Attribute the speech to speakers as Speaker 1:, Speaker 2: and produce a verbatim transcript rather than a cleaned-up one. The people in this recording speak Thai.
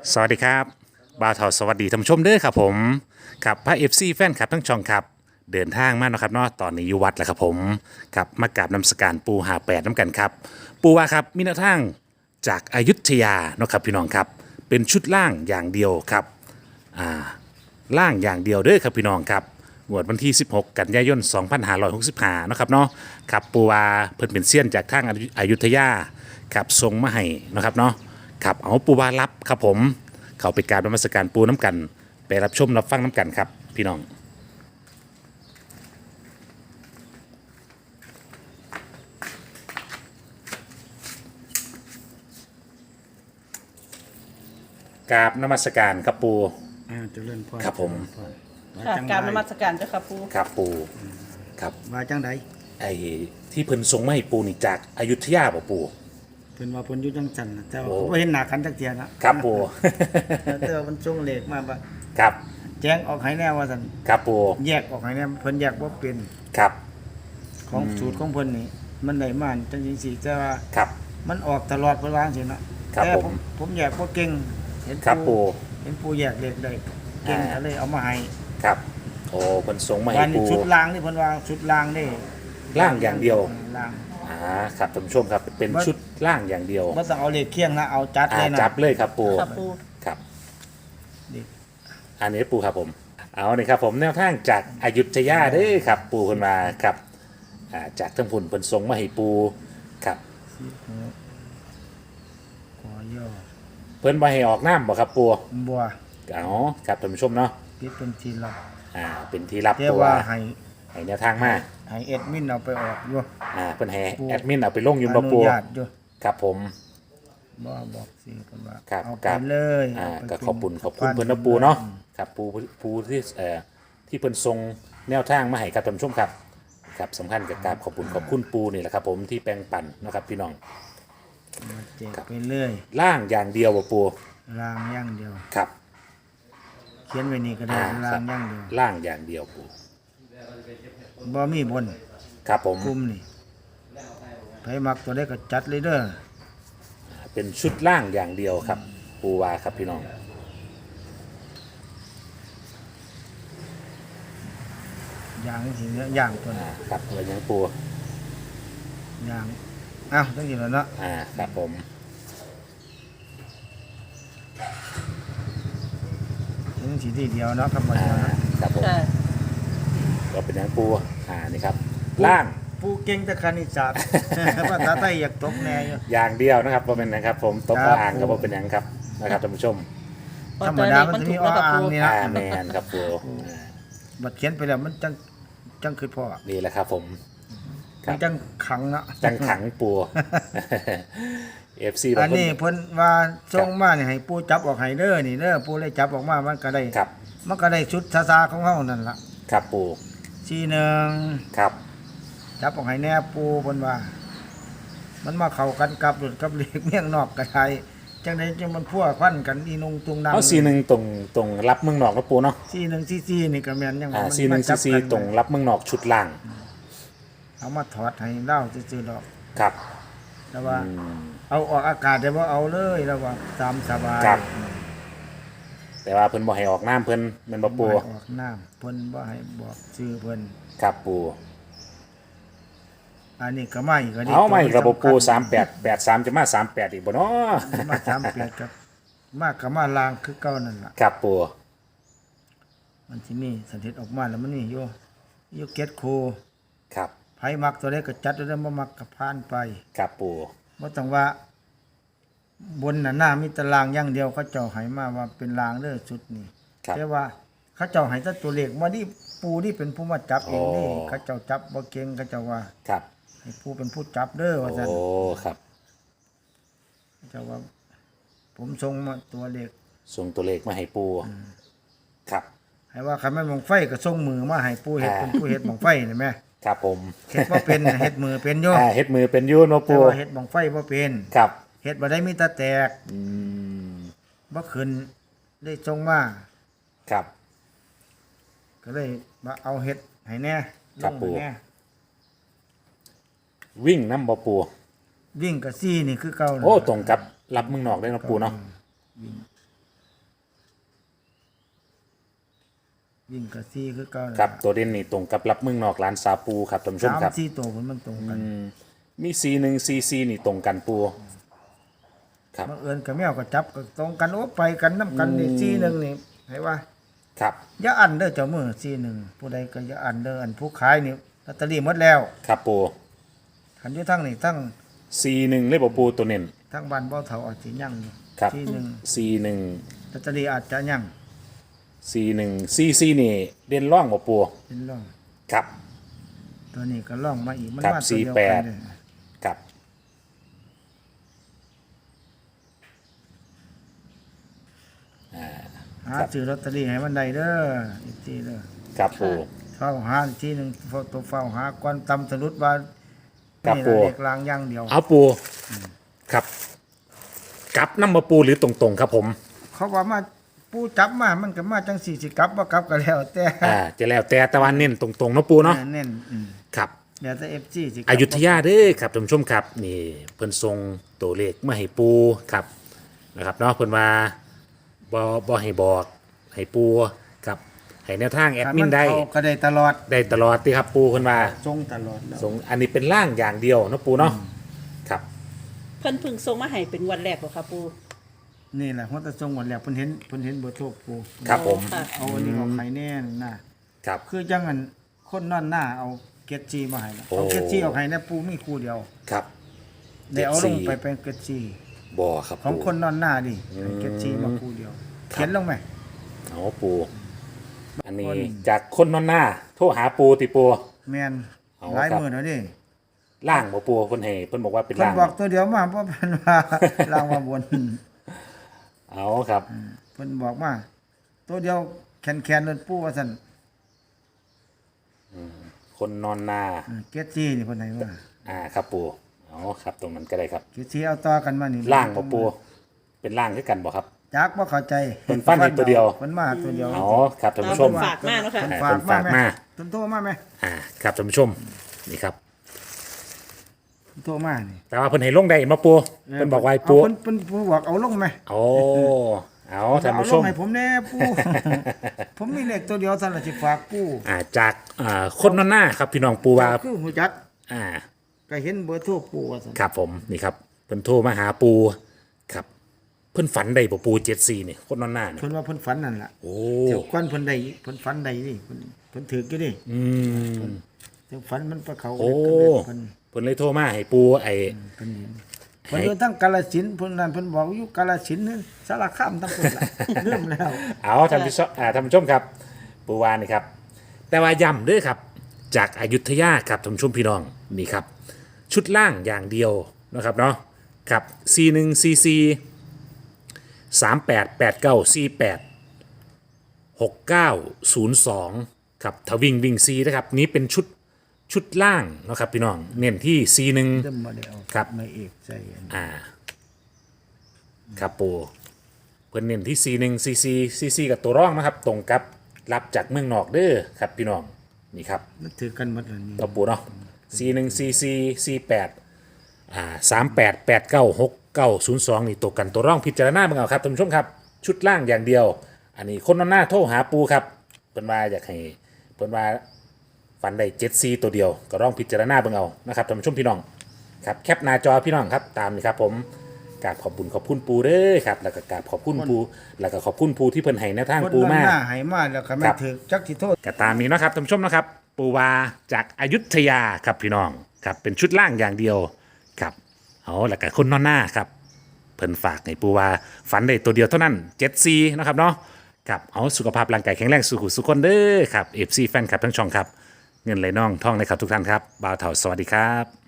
Speaker 1: สวัสดีครับบ่าวเทาสวัสดีท่านผู้ชมเด้อครับผมครับพระเอฟซีแฟนคลับทั้งช่องครับเดินทางมาเนาะครับเนาะตอนนี้อยู่วัดแล้วครับผมครับมากราบนมัสการปูหาแปดน้ำกันครับปูว่าครับมีแนวทางจากอายุทยาเนาะครับพี่น้องครับเป็นชุดล่างอย่างเดียวครับอ่าล่างอย่างเดียวเด้อครับพี่น้องครับงวดวันที่สิบหกกันยายนสองพันห้าร้อยหกสิบห้าเนาะครับเนาะครับปูว่าเพิ่นเป็นเซียนจากทางอายุทยาครับทรงมาให้เนาะครับเนาะครับเอาปูว่ารับครับผม เขาไปกรารนมัสการปูน้ำกันไปรับชมรับฟังน้ำกันครับพี่น้องกราบนมัสการครับปู
Speaker 2: อ่าเจริญพร
Speaker 1: ครับผม
Speaker 2: เจริญพรว่า
Speaker 3: ค่ะ
Speaker 2: จัง
Speaker 3: กรารน
Speaker 2: ได
Speaker 3: มัสการเจ้าค่ะปู
Speaker 1: ครับปูครับ
Speaker 2: ว่าจังได
Speaker 1: ไอ้ที่เพิ่นทรงมาให้ปูนี่จากอายุทยาบ่ปู
Speaker 2: เพิ่นว่าเพิ่นอยู่จังจันทน์น่ะแต่ว่า
Speaker 1: โอ้
Speaker 2: เขาบ่เห็นหน้ากันจักเที่ยนะครับ
Speaker 1: ปู
Speaker 2: แต่ว่ามันส่งเลขมาว่า
Speaker 1: ครับ
Speaker 2: แจ้งออกให้แน่ว่าซั่น
Speaker 1: ครับปู
Speaker 2: แยกออกให้แน่เพิ่นแยกบ่เป็น
Speaker 1: ครับ
Speaker 2: ของสูตรของเพิ่นนี่มันได้มาจังซี่แต่ว่า
Speaker 1: ครับ
Speaker 2: มันออกตลอดเพิ่นว่าจังซี่เนาะ
Speaker 1: ครับ
Speaker 2: แต่
Speaker 1: ผ
Speaker 2: ผม มผมแยกบ่เก่งเห็น
Speaker 1: ครับปู
Speaker 2: เห็นปูแยกเลขได้เก่ง
Speaker 1: อ่า
Speaker 2: ก็เลยเอามาให้
Speaker 1: ครับโอ้เพิ่นทรงมาให้
Speaker 2: วันนี้
Speaker 1: ปู
Speaker 2: ชุดล่างนี่เพิ่นว่าชุดล่างนี่
Speaker 1: ล่างอย่างเดียว
Speaker 2: ล่าง
Speaker 1: อ่าครับท่านผู้ชมครับเป็นชุดล่างอย่างเดียว
Speaker 2: บ่ต้องเอาเลขเคียงนะเอาจัด
Speaker 1: อ่า
Speaker 2: เลยนะ
Speaker 1: จับเลยครับปู
Speaker 3: ค่ะปู
Speaker 1: ครับ
Speaker 2: นี่
Speaker 1: อันนี้ปูครับผม เอาเลยครับผมแนวทางจากอายุทยาเด้อครับ ปูคนมาครับอ่าจากทั้งผุนผลทรงมาให้ปูครับ
Speaker 2: ขอย่อ
Speaker 1: เพิ่นมาให้ออกน้ำบ่ครับปู
Speaker 2: บัว
Speaker 1: อ๋อครับท่านผู้ชมเนาะ
Speaker 2: ปิดเป็นทีละ
Speaker 1: อ่าเป็นที่รับ
Speaker 2: แต่
Speaker 1: ตัว
Speaker 2: ว่าให้
Speaker 1: ให้แนวทางมา
Speaker 2: ให้เอ็ดมินเอาไปออกอยู่
Speaker 1: อ่าเพิ่นให้
Speaker 2: ปู
Speaker 1: แอดมินเอาไปลงอยู่
Speaker 2: อ
Speaker 1: บ่
Speaker 2: นุ
Speaker 1: ปู
Speaker 2: ญาตอยู่
Speaker 1: ครับผม
Speaker 2: บ่บอกสิเพิ่นว่า
Speaker 1: ครับ
Speaker 2: เอา
Speaker 1: ค
Speaker 2: ไป
Speaker 1: รับ
Speaker 2: เลย
Speaker 1: อ่า
Speaker 2: เาไป
Speaker 1: ก็
Speaker 2: เป็น
Speaker 1: ขอบคุณขอบคุณ
Speaker 2: สะพ
Speaker 1: เพิ่นนะปูเนาะครับปูปูที่เอ่อที่เพิ่นทรงแนวทางมาให้ครับท่านผู้ชมครับครับสำคัญกับการขอบคุณขอบคุณปูนี่แหละครับผมที่แปลงปันนะครับพี่น้อง
Speaker 2: มาแจกไปเลย
Speaker 1: ล่างอย่างเดียวบ่ปู
Speaker 2: ล้างอย่างเดียว
Speaker 1: ครับ
Speaker 2: เขียนไว้นี่ก็ได้
Speaker 1: อ่า
Speaker 2: ล้า
Speaker 1: ครั
Speaker 2: ง
Speaker 1: บ
Speaker 2: อย่างเดียว
Speaker 1: ล่างอย่างเดียวปู
Speaker 2: บ่มีบน
Speaker 1: ครับผม
Speaker 2: กลุ่มนี่ไผมักตัวได้ก็จัดเลยเด้อ
Speaker 1: เป็นชุดล่างอย่างเดียวครับ ปูวาครับพี่น้อง
Speaker 2: อย่างสิเนื้อย่างตัว
Speaker 1: อ่า
Speaker 2: นี้
Speaker 1: ครับอะไรยังปู
Speaker 2: อย่างอ้าวจังซี่แล้วเนาะ
Speaker 1: อ่าครับผม
Speaker 2: จังสิทีเดียวเนาะครับบ่
Speaker 1: อ่า
Speaker 2: เนาะ
Speaker 1: ครับผม
Speaker 3: ค่ะ
Speaker 1: ก็เป็นยังปูอ่านี่ครับ ล่าง
Speaker 2: ผู้เก่งแต่คณิตศาสตร์ ภาษาไทยอยากตกแน่อยู่
Speaker 1: อย่างเดียวนะครับว่าเป็นนะครับ ผมตบ
Speaker 2: ครับ
Speaker 1: อ่างก็บ่เป็นหยังครับนะครับท่านผู้ชม
Speaker 2: ธรรมดามันจะมี
Speaker 3: แล้วกับ
Speaker 2: อ่าง
Speaker 3: ปู
Speaker 2: นี่
Speaker 1: อ่าแมนครับปูอ่า
Speaker 2: บัดเขียนไปแล้วมันจังจังคือพ่อ
Speaker 1: นี่แหละครับผม ครั
Speaker 2: มั
Speaker 1: บ
Speaker 2: นจังขังเนาะ
Speaker 1: จังขังปู เอฟซีบา
Speaker 2: อั
Speaker 1: ง
Speaker 2: น
Speaker 1: คน
Speaker 2: นี้เพิ่นว่าส่งมานี่ให้ปู่จับออกให้เด้อนี่เด้อปู่เลยจับออกมามันก็ได้
Speaker 1: ครับ
Speaker 2: มันก็ได้ชุดซาๆของเฮานั่นล่ะ
Speaker 1: ครับปู
Speaker 2: สี่หนึ่ง
Speaker 1: ครับ
Speaker 2: จับออกให้แน่ปู่เพิ่นว่า มันมาเข้ากันกับรถกับเหล็กเมียงนอกก็ได้จังได๋จังมันพัวพันกันอีนุงตุงนาง
Speaker 1: เอาซีหนึ่งตรงตรงรับเมืองนอกนะปูเนาะ
Speaker 2: สี่หนึ่งสี่สี่นี่ก็แม่นยัง
Speaker 1: อ่า
Speaker 2: ว่า
Speaker 1: ซีหนึ่ง
Speaker 2: มั
Speaker 1: ซี
Speaker 2: จับ
Speaker 1: ซี
Speaker 2: กัน
Speaker 1: ตรงรับเมืองนอกชุดล่าง
Speaker 2: เอามาถอดให้เล่าซื่อๆดอก
Speaker 1: ครับ
Speaker 2: แต่ว่า
Speaker 1: อืม
Speaker 2: เอาออกอากาศได้บ่เอาเลยแล้วว่าตามสบาย
Speaker 1: ครับ แต่ว่าเพิ่นบ่ให้ออกน้ำเพิ่นแมันบ่ปู
Speaker 2: บ่ให้ออกน้ำเพิ่นบ่ให้บอกชื่อเพิ่น
Speaker 1: ครับปู
Speaker 2: อันนี้ก็ไม่ก็ดี
Speaker 1: เอาไม่ระบบปู
Speaker 2: ตัว
Speaker 1: สามแปดแปดสามจะมาสามแปดอีกบ่เนาะ
Speaker 2: มาสามแปดกับมากกับมาลางคือเก่านั่นล่ะ
Speaker 1: ครับปู
Speaker 2: มันสิมีสันติออกมาแล้วมันนี่อยู่อยู่เก็ตโค
Speaker 1: ครับ
Speaker 2: ไผมักตัวใดก็จัดตัวนั้นบ่มักก็ผ่านไป
Speaker 1: ครับปู
Speaker 2: บ่ต้องว่า บนน่ะหน้ามีแตารางอย่างเดียวเขาเจ้าให้มาว่าเป็นรางเด้อชุดนี้
Speaker 1: ครับ
Speaker 2: แต่ว่าเขาเจ้าให้แต่ตัวเลขมานี่ปูนี่เป็นผู้มาจับเองนี่
Speaker 1: โอ้
Speaker 2: เขาเจ้าจับบ่เก่งเขาเจ้าว่า
Speaker 1: ครับ
Speaker 2: ให้ผู้เป็นผู้จับเด้อว่าซั่น
Speaker 1: โอ้ครับ
Speaker 2: เขาเจ้าว่า ผมส่งมาตัวเลข
Speaker 1: ส่งตัวเลขมาให้ปูครับ
Speaker 2: ให้ว่าคันแม่นบังไฟก็ส่งมือมาให้ผู้เฮ็ด
Speaker 1: อ่า
Speaker 2: เป็นผู้เฮ็ดบังไฟนี่แหม
Speaker 1: ครับผม
Speaker 2: เฮ็ดบ่เป็นน่ะเฮ็ดมือเป็นอยู่
Speaker 1: อ่าเฮ็ดมือเป็นอยูเนาะ
Speaker 2: แต่
Speaker 1: ปู
Speaker 2: ว่าเฮ็ดบังไฟบ่เป็น
Speaker 1: ครับ
Speaker 2: เฮ็ดบ่ได้มีแต่แตก
Speaker 1: อืม
Speaker 2: บ่ขึ้นได้ส่งมา
Speaker 1: ครับ
Speaker 2: ก็เลยมาเอาเฮ็ดให้แน่ล
Speaker 1: ครับ
Speaker 2: ง
Speaker 1: ปู่
Speaker 2: ให้แน่
Speaker 1: วิ่งน้ำบ่ปู
Speaker 2: วิ่งกับซี่นี่คือเก่านั่น
Speaker 1: โอ้
Speaker 2: ล่ะ
Speaker 1: ตรงกับรับเมืองนอกได้เนาะปูเนาะ
Speaker 2: วิ่งกับซีคือเก่า
Speaker 1: ครับตัวเด่นนี่ตรงกับรับเมืองนอกร้านซาปูครับท่านผู้ชม
Speaker 2: สาม
Speaker 1: ครับ
Speaker 2: สี่ตัวมันตรงกัน
Speaker 1: มีซีหนึ่งซีซีนี่ตรงกันปูครับ
Speaker 2: บังเอิญกับแมวก็จับก็ตรงกันโอ้ไปกันน้ำกันนี่ซีหนึ่งนี่ให้ว่า
Speaker 1: ครับ
Speaker 2: อย่าอันเด้อเจ้ามือซีหนึ่งผู้ใดก็อย่าอันเด้ออันผู้ขายนี่ลอตเตอรี่หมดแล้ว
Speaker 1: ครับปู
Speaker 2: ขันอยู่ทั้งนี่ทั้ง
Speaker 1: ซีหนึ่งเลยบ่ปูตัวเน้น
Speaker 2: ทั้งบ้านเบ้าเถาอาจจะยั่งอยู่
Speaker 1: ครับ
Speaker 2: ซีหนึ่ง
Speaker 1: ซีหนึ่ง
Speaker 2: ลอตเตอรี่อาจจะยั่ง
Speaker 1: ซีหนึ่งซีซีนี่เด่นร่องบ่ปู
Speaker 2: เป็นร่อง
Speaker 1: ครับ
Speaker 2: ตัวนี้ก็ล่องมาอีกมัน
Speaker 1: ครับ
Speaker 2: มาตัวเดียว
Speaker 1: สี่แป
Speaker 2: กั
Speaker 1: ด
Speaker 2: นเลย
Speaker 1: ครับ
Speaker 2: หาซื้อลอตเตอรี่ให้มันได้เด้ออีกทีเด้อ
Speaker 1: ครับปู
Speaker 2: เฝ้าหาอีกทีหนึ่งเฝ้าตัวเฝ้าหาก่อนตำสรุดว่า
Speaker 1: ครับ
Speaker 2: นี่
Speaker 1: ปู
Speaker 2: ล่ะเด็กลางอย่างเดียว
Speaker 1: เอาปูครับกลับน้ำมาปูหรือตรงๆครับผม
Speaker 2: เขาว่ามาปูจับมามันก็มาจังสี่สิกลับบ่กลับก็แล้วแต่
Speaker 1: อ่าจะแล้วแต่ตะวันเน้นตรงๆเนาะปูเนาะ
Speaker 2: เน้นอืม
Speaker 1: ครับ
Speaker 2: แล้วแต่ เอฟ ซี สิกลับ
Speaker 1: อยุธยาเด้อครับท่านผู้ชมครับนี่เพิ่นทรงตัวเลขมาให้ปูครับนะครับเนาะเพิ่นว่าบ่บ่ให้บอกให้ปูครับให้แนวทางแอดมินได้
Speaker 2: ถ้าเข้าก็ได้ตลอด
Speaker 1: ได้ตลอดติครับปูเพิ่นว่า
Speaker 2: ทรงตลอดแล้ว
Speaker 1: ทรงอันนี้เป็นร่างอย่างเดียวเนาะปูเนาะครับ
Speaker 3: เพิ่นเพึ่งส่งมาให้เป็นวันแรกบ่ค่ะปู
Speaker 2: นี่แหละหัวตะทรงหมดแล้วเพิ่นเห็นเพิ่นเห็นเบอร์โทรปู
Speaker 1: ครับผม
Speaker 3: ค่ะ
Speaker 2: เอาอันนี้เอาไข่แน่น่ะ
Speaker 1: ครับ
Speaker 2: คือจังอันคนนอนหน้าเอาเกจจีมาให้นะ
Speaker 1: โอ้
Speaker 2: เอาเกจจีเอาให้นะปูมีคู่เดียว
Speaker 1: ครับ
Speaker 2: ได้เอาลงไป
Speaker 1: เจ็ดสี่
Speaker 2: เป็นเกจจี
Speaker 1: บ่ครับ
Speaker 2: ของ
Speaker 1: ปู
Speaker 2: คนนอนหน้าดิ
Speaker 1: อืม
Speaker 2: เกจจีมาคู่เดียว
Speaker 1: ครับ
Speaker 2: เขียนลงไหม
Speaker 1: เอาปูอันนี้
Speaker 2: คน
Speaker 1: จากคนนอนหน้าโทรหาปูติปู
Speaker 2: แม่น
Speaker 1: เอา
Speaker 2: หลาย
Speaker 1: ครับ
Speaker 2: มื้อแล้วดิ
Speaker 1: ล่างบ่ปูเพิ่นให้เพิ่นบอกว่าเป็น
Speaker 2: เพิ่น
Speaker 1: ล่าง
Speaker 2: บอกตัวเดียวมาเพราะเพิ่นว่า ลางว่าบน
Speaker 1: เอาครับ
Speaker 2: เพิ่นบอกมาตัวเดียวแคนๆนั่นปูว่าซั่น
Speaker 1: คนนอนนา
Speaker 2: อืมเกจจีนี่เพิ่นให้ว่า
Speaker 1: อ่าครับปูเอาครับตรงนั้นก็ได้ครับ
Speaker 2: เกจจีเอาต่อกันมานี่
Speaker 1: ล่างบ่ปูเป็นล่างด้วยกันบ่ครับ
Speaker 2: จักบ่เข้าใจ
Speaker 1: เพิ่นฟันให้ตัวเดียว
Speaker 2: เพิ่นมาตัวเดียว
Speaker 1: อ๋อครับท่านผู้ชม
Speaker 3: ฝากมาเนาะค่ะ
Speaker 2: เพิ่น
Speaker 1: อ่า
Speaker 2: ฝาก
Speaker 1: เพิ่นฝาก
Speaker 2: มา
Speaker 1: มา
Speaker 2: แม่เพิ่นโทรมาไหม
Speaker 1: อ่าครับท่านผู้ชมนี่ครับ
Speaker 2: โทรมานี่
Speaker 1: แต่ว่าเพิ่นให้ลงได้มาปูเพิ่นบอกว่าให้ปู
Speaker 2: เาเพิ่นเพิ่นเพิ่นบอกเอาลงไหม
Speaker 1: โอ้เอาท่าน
Speaker 2: เอา
Speaker 1: ผู้
Speaker 2: ล
Speaker 1: ช
Speaker 2: ง
Speaker 1: ม
Speaker 2: ให้ผมแน่ปู ผมมีเลขตัวเดียวสั่นละสิฝากปู
Speaker 1: อ่าจากอ่าคนนอนหน้าครับพี่น้องปูว่า
Speaker 2: คือหูจัก
Speaker 1: อ่า
Speaker 2: ก็เห็นเบอร์โทรปูว่าซั่น
Speaker 1: ครับผมนี่ครับเพิ่นโทรมาหาปูครับเพิ่นฝันได้บ่ปูเจ็ดสี่นี่คนนอนหน้านี่
Speaker 2: เพิ่นว่าเพิ่นฝันนั่นล่ะ
Speaker 1: โอ้
Speaker 2: เดี๋ยวก่อนเพิ่นได้เพิ่นฝันได้นี่เพิ่นเพิ่นถืออยู่นี่
Speaker 1: อืม
Speaker 2: เดี๋ยวฝันมันไปเขา
Speaker 1: โอ้
Speaker 2: เพิ่น
Speaker 1: เพิ่นเลยโทรมาให้ปูไอ้
Speaker 2: เพิ่นเห็นเพิ่นอยู่ทั้งกาฬสินธุ์เพิ่นนั่นเพิ่นบอกอยู่กาฬสินธุ์นี่สารคามทั้งคนล่ะ เริ่มแล้ว
Speaker 1: เอาท่านผู้ชมอ่าท่านผู้ชมครับปูวานี่ครับ แต่ว่าย้ำเด้วยครับ จากอายุทยาครับท่านผู้ชมพี่น้องนี่ครับ ชุดล่างอย่างเดียวนะครับเนาะครับซีหนึ่งซีซีสามแปดแปดเก้าซีแปดหกเก้าศูนย์สองครับทวิ่งวิ่งซีนะครับนี้เป็นชุดชุดล่างนะครับพี่น้องเน้นที่ซีหนึ่ง
Speaker 2: เริ่มบ่ได้เอา
Speaker 1: ครับ
Speaker 2: ไม่เอกใส่อัน
Speaker 1: อ่าครับปูเพิ่นเน้นที่ ซี หนึ่ง ซี ซี ซี ซี กับตัวร่องนะครับ ตรงกับรับจากเมืองนอกเด้อครับพี่น้องนี่ครับ
Speaker 2: มันถือกันหมดแล้วนี่
Speaker 1: ตัวปูเนาะ ซี หนึ่ง ซี ซี ซี แปดอ่าสามแปดแปดเก้าหกเก้าศูนย์สองนี่ตกกันตัวร่องพิจารณาเบิ่งเอาครับท่านผู้ชมครับ ชุดล่างอย่างเดียว อันนี้คนนอนหน้าโทรหาปูครับเพิ่นว่าอยากให้เพิ่นว่าฟันได้เจ็ดซีตัวเดียวก็ร่องพิจารณาเบิ่งเอานะครับท่านผู้ชมพี่น้องครับแคปหน้าจอพี่น้องครับตามนี่ครับผม กราบขอบคุณขอบคุณปูเด้อครับแล้วก็กราบขอบคุณปูแล้วก็ขอบคุณปูที่เพิ่นให้แนวทาง
Speaker 2: คน
Speaker 1: ปู
Speaker 2: นั้น
Speaker 1: มา
Speaker 2: หน้าให้มาแล้วก็ไม่
Speaker 1: ครับ
Speaker 2: ถือจักสิโทษ
Speaker 1: ก็ตามนี้เนาะครับท่านผู้ชมนะครับ ปูวาจากอายุทยาครับพี่น้องครับเป็นชุดล่างอย่างเดียวครับเอาแล้วก็คนนอนหน้าครับเพิ่นฝากให้ปูวาฝันได้ตัวเดียวเท่านั้นเจ็ดซีนะครับเนาะครับเอาสุขภาพร่างกายแข็งแรงสุขุสุขคนเด้อครับเอฟซีแฟนคลับทั้งช่องครับเงินไหลน่องท่องในครับทุกท่านครับบ่าวเถาสวัสดีครับ